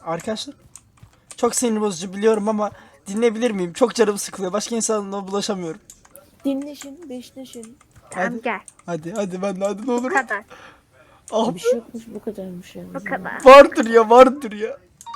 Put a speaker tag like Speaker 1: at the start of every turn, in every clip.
Speaker 1: Arkadaşlar çok sinir bozucu biliyorum ama dinleyebilir miyim? Çok canım sıkılıyor. Başka insanla bulaşamıyorum.
Speaker 2: Dinleşin, beşleşin.
Speaker 3: Tamam
Speaker 1: Hadi.
Speaker 3: gel.
Speaker 1: Hadi ben de hadi ne
Speaker 3: Bu
Speaker 1: olur.
Speaker 3: kadar.
Speaker 1: Ah,
Speaker 2: Bir şey yokmuş, bu kadarmış yani.
Speaker 3: Bu kadar.
Speaker 1: vardır ya.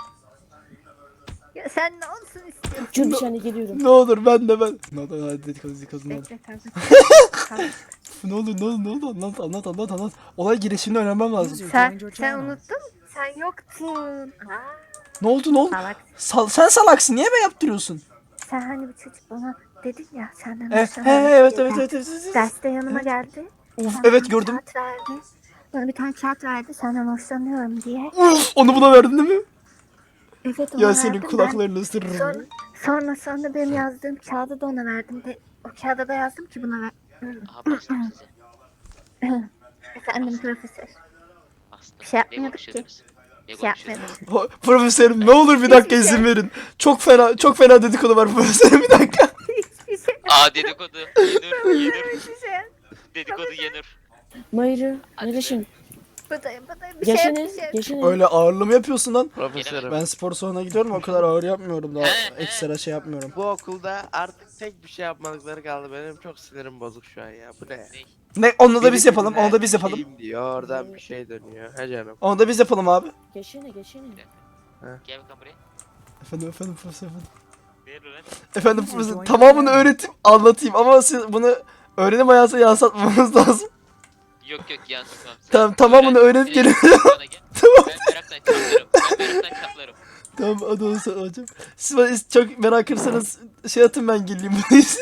Speaker 3: Ya sen ne olsun istiyorsun?
Speaker 2: Dur bir saniye geliyorum.
Speaker 1: Ne olur ben. Ne olur hadi dedikodu ne olur.
Speaker 3: Bekle kanka. Tamam.
Speaker 1: Ne olur anlat. Olay girişimini öğrenmem lazım.
Speaker 3: Sen unuttun. Sen yoktun. Aa,
Speaker 1: Ne oldu?
Speaker 3: salak.
Speaker 1: Sen salaksın. Niye ben yaptırıyorsun?
Speaker 3: Sen hani bir çocuk bana dedin ya senden
Speaker 1: Evet
Speaker 3: hoşlanıyorum.
Speaker 1: evet.
Speaker 3: Derste yanıma geldi.
Speaker 1: Uf
Speaker 3: Bana
Speaker 1: evet
Speaker 3: bir
Speaker 1: gördüm.
Speaker 3: kağıt verdi. Bana bir tane kağıt verdi senden hoşlanıyorum diye.
Speaker 1: Uf onu buna verdin değil mi?
Speaker 3: Evet ona
Speaker 1: Ya
Speaker 3: verdim.
Speaker 1: senin kulaklarını ısırırım.
Speaker 3: Sonra benim yazdığım kağıdı da ona verdim. De, o kağıda da yazdım ki buna ver.
Speaker 4: Aha bastım size.
Speaker 3: Efendim profesör.
Speaker 4: Bastım.
Speaker 3: Bir şey yapmıyorduk
Speaker 4: Ne
Speaker 3: ki.
Speaker 4: konuşuyordunuz? Ne
Speaker 3: Bir şey
Speaker 4: konuşuyordunuz?
Speaker 3: yapmadım.
Speaker 1: Profesörüm ne olur bir dakika
Speaker 3: Hiçbir şey.
Speaker 1: izin verin. Çok fena dedikodu var profesörüm bir dakika.
Speaker 3: Hiçbir şey.
Speaker 4: Aa dedikodu. Yenir.
Speaker 3: Hiçbir şey.
Speaker 4: Dedikodu yenir.
Speaker 2: Mayra,
Speaker 4: Hadi
Speaker 2: neredesin?
Speaker 3: Buradayım. Bir şey
Speaker 2: Geçene,
Speaker 3: yok, bir şey yok.
Speaker 2: geçene.
Speaker 1: Öyle ağırlı mı yapıyorsun lan?
Speaker 5: Profesörüm.
Speaker 1: Ben spor salonuna gidiyorum o kadar ağır yapmıyorum daha
Speaker 4: He.
Speaker 1: ekstra şey yapmıyorum.
Speaker 5: Bu okulda artık tek bir şey yapmadıkları kaldı. Benim çok sinirim bozuk şu an ya. Bu ne?
Speaker 1: Ne onu da biz
Speaker 5: Biri
Speaker 1: yapalım
Speaker 5: birine
Speaker 1: onu da biz yapalım.
Speaker 5: şeyim diyor, oradan bir şey dönüyor. He canım.
Speaker 1: Onu da biz yapalım abi.
Speaker 2: Geçene.
Speaker 4: Gel bakalım buraya.
Speaker 1: Efendim profesör efendim.
Speaker 4: Ver lan.
Speaker 1: Efendim profesör tamamını öğretip anlatayım ama siz bunu öğrenim hayatına yansıtmamız lazım.
Speaker 4: Yok yansıtmam. Sen
Speaker 1: Tamam, tamamını öğrenip gelin.
Speaker 4: bana gel.
Speaker 1: Tamam.
Speaker 4: Ben meraktan çatlarım.
Speaker 1: Tamam hadi onu sana hocam. Siz bana çok merak ederseniz şey atın ben geleyim.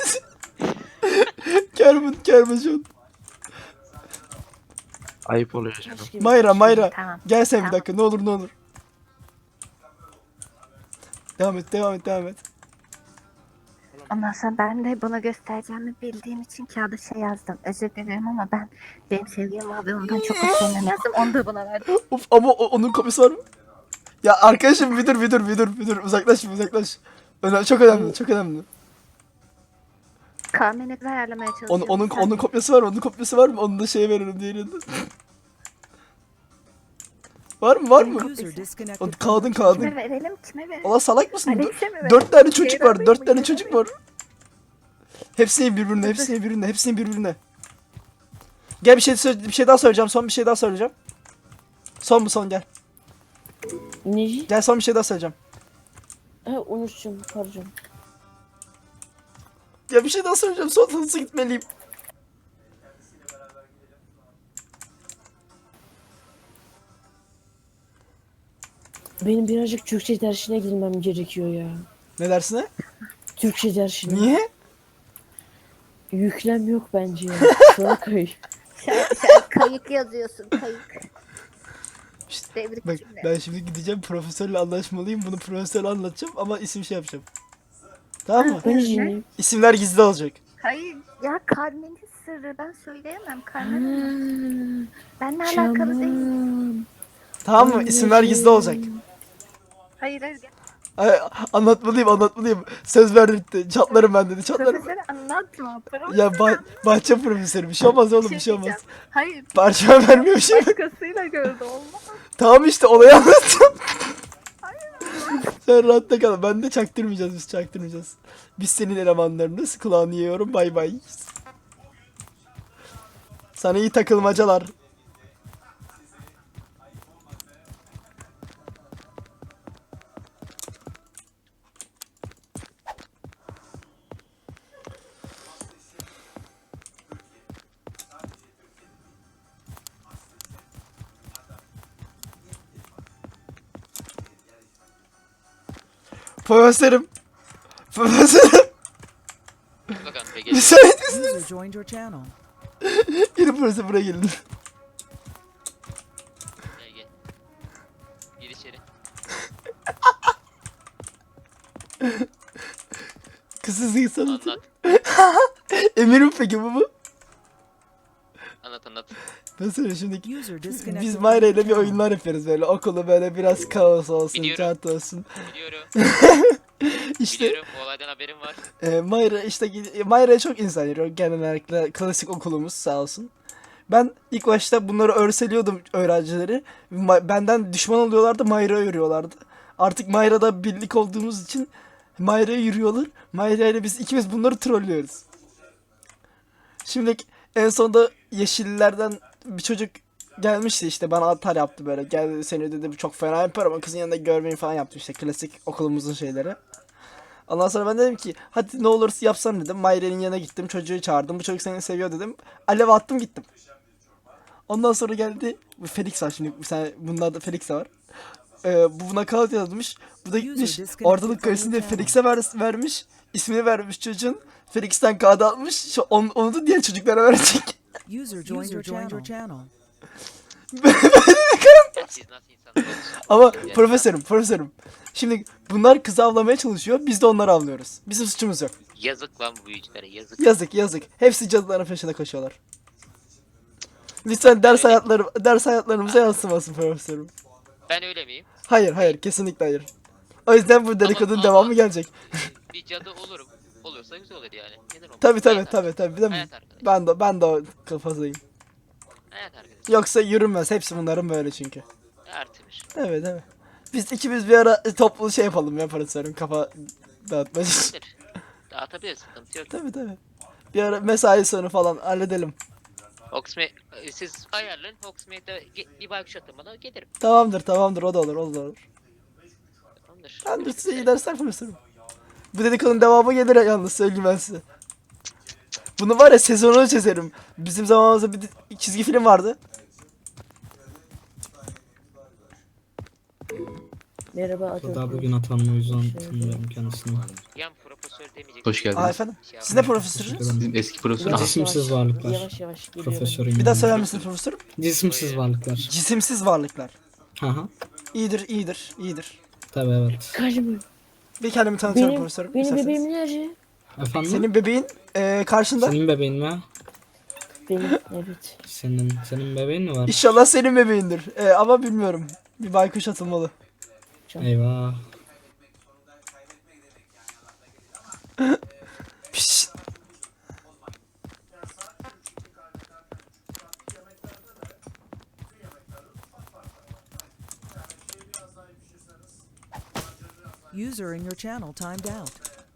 Speaker 1: Kermin şu an.
Speaker 5: Ayıp oluyor canım.
Speaker 2: Taş gibi.
Speaker 1: Mayra
Speaker 3: Tamam.
Speaker 1: gel sen bir
Speaker 3: Tamam.
Speaker 1: dakika ne olur. Devam et.
Speaker 3: Ondan sonra ben de buna göstereceğimi bildiğim için kağıda şey yazdım. Özür dilerim ama benim sevgilim abi ondan çok hoşlanıyorum yazdım. Onu da buna verdim.
Speaker 1: Of ama onun kopyası var mı? Ya arkadaşım bir dur uzaklaş. Çok önemli.
Speaker 3: Kahveni ayarlamaya çalışıyorum.
Speaker 1: Onun kopyası var mı? Onu da şeye veririm diğerinde. Var mı? O kağıdın.
Speaker 3: Kime verelim?
Speaker 1: Allah salak mısın?
Speaker 3: Alex'e mi verelim?
Speaker 1: 4 tane çocuk var.
Speaker 3: Ceylan
Speaker 1: 4
Speaker 3: Bey
Speaker 1: tane
Speaker 3: mi?
Speaker 1: çocuk var. Hepsini birbirine. Gel bir şey daha söyleyeceğim. Son bir şey daha söyleyeceğim. Son gel.
Speaker 2: Neci?
Speaker 1: Gel son bir şey daha söyleyeceğim.
Speaker 2: Ha unuttum, pardon.
Speaker 1: Ya bir şey daha söyleyeceğim. Son hızlı gitmeliyim.
Speaker 2: Benim birazcık Türkçe dersine girmem gerekiyor ya.
Speaker 1: Ne dersin he?
Speaker 2: Türkçe dersine.
Speaker 1: Niye?
Speaker 2: Yüklem yok bence ya. Sonra kay.
Speaker 3: Sen kayık yazıyorsun kayık.
Speaker 1: İşte,
Speaker 3: Tebrik
Speaker 1: bak
Speaker 3: cümle.
Speaker 1: ben şimdi gideceğim profesörle anlaşmalıyım. Bunu profesörle anlatacağım ama isim şey yapacağım. Tamam mı?
Speaker 2: Ben
Speaker 3: Ne?
Speaker 2: izleyeyim.
Speaker 1: İsimler gizli olacak.
Speaker 3: Hayır ya Carmen'in sırrı ben söyleyemem Carmen.
Speaker 2: Ha,
Speaker 3: Benimle alakalı değil.
Speaker 2: tamam.
Speaker 1: Tamam mı? İsimler gizli olacak.
Speaker 3: Hayır gel.
Speaker 1: Ay, anlatmalıyım. Söz verdi. Çatlarım ben dedi. Çatlarım.
Speaker 3: Profesörü anlatma.
Speaker 1: Ya bahçe profesörü bir şey olmaz oğlum bir şey olmaz.
Speaker 3: diyeceğim. Hayır
Speaker 1: Parçama vermiyor bir şey.
Speaker 3: başkasıyla gördü olmaz.
Speaker 1: Tamam işte olayı anlattım. Sen rahatta kal. Ben de çaktırmayacağız. Biz senin elemanlarınız. Kulağını yiyorum. Bay bay. Sana iyi takılmacalar. Profesörüm.
Speaker 4: Bakalım be gel.
Speaker 1: Müsait
Speaker 6: User joined your channel.
Speaker 1: Gelin profesör buraya gelin.
Speaker 4: Gel. Gir içeri.
Speaker 1: Kızsız sanatı.
Speaker 4: Anlat.
Speaker 1: Emirim peki bu mu?
Speaker 4: Anlat.
Speaker 1: Ben söyleyeyim şimdi.
Speaker 6: User disconnected.
Speaker 1: Biz Mayra ile bir oyunlar yapıyoruz böyle. Okulu böyle biraz kaos olsun,
Speaker 4: Biliyorum.
Speaker 1: kağıt olsun.
Speaker 4: Biliyorum.
Speaker 1: İşte
Speaker 4: Biliyorum. Bu olaydan haberim var.
Speaker 1: Mayra'ya çok insan geliyor. Genellikle klasik okulumuz sağ olsun. Ben ilk başta bunları örseliyordum öğrencileri. Benden düşman oluyorlardı, Mayra'ya örüyorlardı. Artık Mayra'da birlik olduğumuz için Mayra'ya yürüyorlar. Mayra ile biz ikimiz bunları trollüyoruz. Şimdi en sonunda yeşillerden bir çocuk gelmişti işte bana atar yaptı böyle. Gel seni dedi çok fena yapar ama kızın yanında görmeyin falan yaptı işte klasik okulumuzun şeyleri. Ondan sonra ben dedim ki hadi ne olursa yapsan dedim. Mayra'nın yanına gittim çocuğu çağırdım. Bu çocuk seni seviyor dedim. Alev attım gittim. Ondan sonra geldi. Bu Felix var şimdi. Bunun adı Felix var. Bu buna kağıt yazmış. Bu da gitmiş. Ortalık karışsın diye Felix'e vermiş. İsmini vermiş çocuğun. Felix'ten kağıt almış. Onu da diğer çocuklara verecek.
Speaker 6: User joined your channel.
Speaker 4: Ya siz nasıl insanlarsınız?
Speaker 1: Ama profesörüm. Şimdi bunlar kızı avlamaya çalışıyor. Biz de onları avlıyoruz. Bizim suçumuz yok.
Speaker 4: Yazık lan bu büyücülere yazık.
Speaker 1: Yazık. Hepsi cadıların peşine koşuyorlar. Lütfen ders hayatlarımıza yansımasın profesörüm.
Speaker 4: Ben öyle miyim?
Speaker 1: Hayır, kesinlikle hayır. O yüzden bu dedikodunun
Speaker 4: Ama-
Speaker 1: devamı gelecek.
Speaker 4: Bir cadı olurum. Olursa güzel olur yani. Neden olmaz?
Speaker 1: Tabii.
Speaker 4: Hayat
Speaker 1: Değil mi?
Speaker 4: Hayat arkadaşı.
Speaker 1: Ben de o kafasıyım.
Speaker 4: Hayat arkadaşı.
Speaker 1: Yoksa yürünmez. Hepsi bunların böyle çünkü.
Speaker 4: Artımış.
Speaker 1: Evet. Biz ikimiz bir ara toplu şey yapalım ya profesörüm. Kafa dağıtma.
Speaker 4: Olabilir. Dağıtabiliriz sıkıntı yok.
Speaker 1: Tabii. Bir ara mesai sonu falan halledelim.
Speaker 4: Hogsmeade siz ayarlayın. Hogsmeade'de bir baykuş atın bana gelirim.
Speaker 1: Tamamdır o da olur.
Speaker 4: Tamamdır.
Speaker 1: Ben de size iyi dersler profesörüm. Bu dedikodunun devamı gelir yalnız söyleyeyim ben size. Bunu var ya sezonunu çizerim. Bizim zamanımızda bir çizgi film vardı.
Speaker 2: Merhaba
Speaker 7: O da
Speaker 2: Atatürk.
Speaker 7: bugün atanma o yüzden tanımıyorum kendisini.
Speaker 4: Yan profesör demeyecek.
Speaker 8: Hoş geldiniz.
Speaker 1: Efendim.
Speaker 4: Şey
Speaker 1: Siz ne profesörünüz?
Speaker 8: Bizim eski profesör.
Speaker 7: Cisimsiz varlıklar.
Speaker 2: Yavaş geliyorum.
Speaker 7: Profesörüm.
Speaker 1: Bir daha söyler misiniz profesörüm?
Speaker 7: Cisimsiz varlıklar.
Speaker 1: Cisimsiz varlıklar.
Speaker 7: Aha.
Speaker 1: İyidir.
Speaker 7: Tabii evet.
Speaker 2: Kaçma.
Speaker 1: Bir kendimi tanıtıyorum profesörüm.
Speaker 2: Benim
Speaker 1: isterseniz.
Speaker 2: bebeğim nerede?
Speaker 7: Efendim?
Speaker 1: Senin bebeğin karşında.
Speaker 7: Senin bebeğin mi?
Speaker 2: Benim evet.
Speaker 7: Senin bebeğin mi var?
Speaker 1: İnşallah senin bebeğindir. Ama bilmiyorum. Bir baykuş atılmalı.
Speaker 7: Eyvah.
Speaker 1: Piş.
Speaker 6: User in your channel timed out.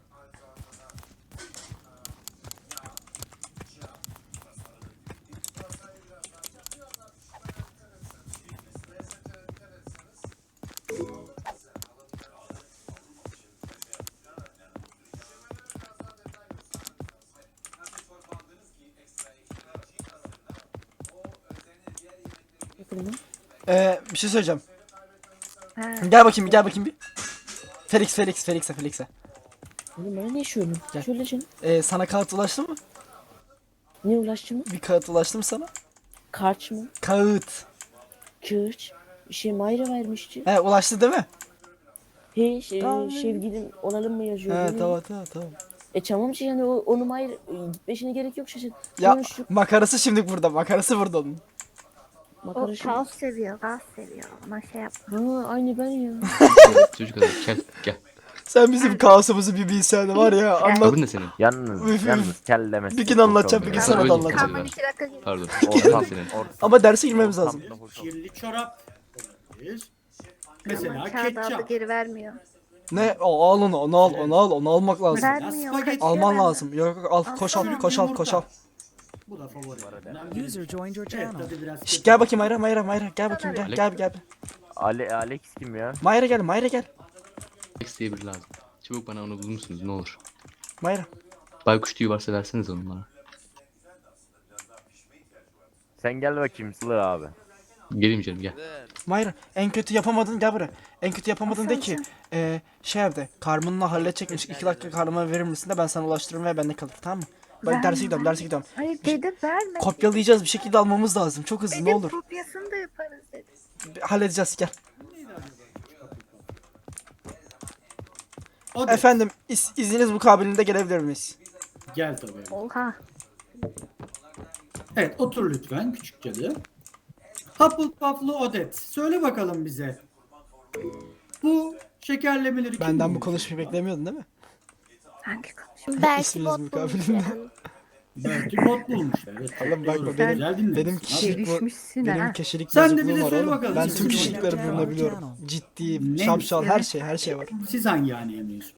Speaker 2: Yakında.
Speaker 1: Bir şey söyleyeceğim.
Speaker 3: Ha.
Speaker 1: Gel bakayım bir. Felix'e.
Speaker 2: Oğlum bana ne şöyle?
Speaker 1: Gel.
Speaker 2: Şöyle canım.
Speaker 1: Sana kağıt ulaştı mı?
Speaker 2: Ne ulaştı mı?
Speaker 1: Bir kağıt ulaştı mı sana?
Speaker 2: Karç mı?
Speaker 1: Kağıt.
Speaker 2: Kırç. Bir şey Mayra vermişti.
Speaker 1: Ulaştı değil mi?
Speaker 2: Tamam. Sevgilim olalım mı yazıyor.
Speaker 1: He
Speaker 2: Böyle.
Speaker 1: tamam.
Speaker 2: Tamam ki yani onu Mayra gitmesine gerek yok şaşır.
Speaker 1: Ya
Speaker 2: Konuştuk.
Speaker 1: makarası şimdi burada. Makarası burada onun.
Speaker 3: O
Speaker 2: Makara şey.
Speaker 3: kaos seviyor. Ona şey yap.
Speaker 2: Ha aynı ben ya.
Speaker 8: Çocuk adam gel.
Speaker 1: Sen bizim kaosumuzu bir bilsen var ya anlat.
Speaker 8: Adın ne senin?
Speaker 1: Üf,
Speaker 9: Yalnız
Speaker 1: üf.
Speaker 9: kellemesi.
Speaker 1: Bir gün anlatacağım, bir gün sana da
Speaker 8: Öyle
Speaker 1: anlatacağım.
Speaker 3: Tamam
Speaker 8: diyorlar.
Speaker 3: 2 dakika gel.
Speaker 8: Pardon.
Speaker 9: Ortam,
Speaker 8: Adın ne senin?
Speaker 1: Ama derse girmemiz lazım.
Speaker 10: Kirli çorap olabilir. Mesela
Speaker 3: Ama kağıdı aldı
Speaker 10: ketçap.
Speaker 3: geri vermiyor.
Speaker 1: Ne? Al onu almak lazım.
Speaker 3: Vermiyor.
Speaker 10: spagetti.
Speaker 1: Alman
Speaker 3: kaçıyor
Speaker 1: lazım. Yok al koş al.
Speaker 10: Bu da favori.
Speaker 6: User joined your
Speaker 10: Evet,
Speaker 6: channel.
Speaker 10: tadı biraz
Speaker 1: Şşt,
Speaker 10: kötü.
Speaker 1: gel bakayım Mayra gel bakayım gel.
Speaker 9: Alex kim ya?
Speaker 1: Mayra gel.
Speaker 8: Alex diye biri lazım. Çabuk bana onu bulur musunuz ne olur.
Speaker 1: Mayra.
Speaker 8: Baykuş tüyü varsa verseniz onu bana.
Speaker 9: Sen gel bakayım Sılı abi.
Speaker 8: Geleyim canım gel.
Speaker 1: Mayra en kötü yapamadın gel buraya. En kötü yapamadın de ki şey evde Carmen'la halledecekmiş 2 dakika Carmen'a verir misin de ben sana ulaştırırım ve bende kalır tamam mı? Ben derse gidiyorum.
Speaker 3: Hayır dedi verme.
Speaker 1: Kopyalayacağız bir şekilde almamız lazım. Çok hızlı ne
Speaker 3: Dedim
Speaker 1: olur.
Speaker 3: kopyasını da yaparız dedi.
Speaker 1: Halledeceğiz gel.
Speaker 10: O da
Speaker 1: Efendim izniniz mukabilinde gelebilir miyiz?
Speaker 10: gel tabii.
Speaker 3: Oha.
Speaker 10: Evet otur lütfen küçük cadı. Hufflepuff'lu Odet. Söyle bakalım bize. Bu şekerlemeleri kim
Speaker 1: Benden bu
Speaker 10: bulmuş?
Speaker 1: konuşmayı beklemiyordun değil mi?
Speaker 3: Hangi konuşma?
Speaker 1: İsminiz mukabilinde.
Speaker 10: Belki bot bulmuş. Evet.
Speaker 1: Oğlum bak
Speaker 10: doğru.
Speaker 1: benim-
Speaker 10: Güzel dinlemişsin.
Speaker 1: benim kişilik
Speaker 3: Gelişmişsin
Speaker 1: benim
Speaker 3: ha.
Speaker 1: kişilik
Speaker 10: Sen de
Speaker 1: bozukluğum
Speaker 10: bize
Speaker 1: var
Speaker 10: söyle
Speaker 1: oğlum.
Speaker 10: bakalım
Speaker 1: Ben
Speaker 10: siz
Speaker 1: tüm
Speaker 10: kim
Speaker 1: kişilikleri
Speaker 6: olacaksınız?
Speaker 1: bulunabiliyorum. Ciddi,
Speaker 10: Neymiş?
Speaker 1: şapşal her şey var.
Speaker 10: Siz hangi haneye mensup?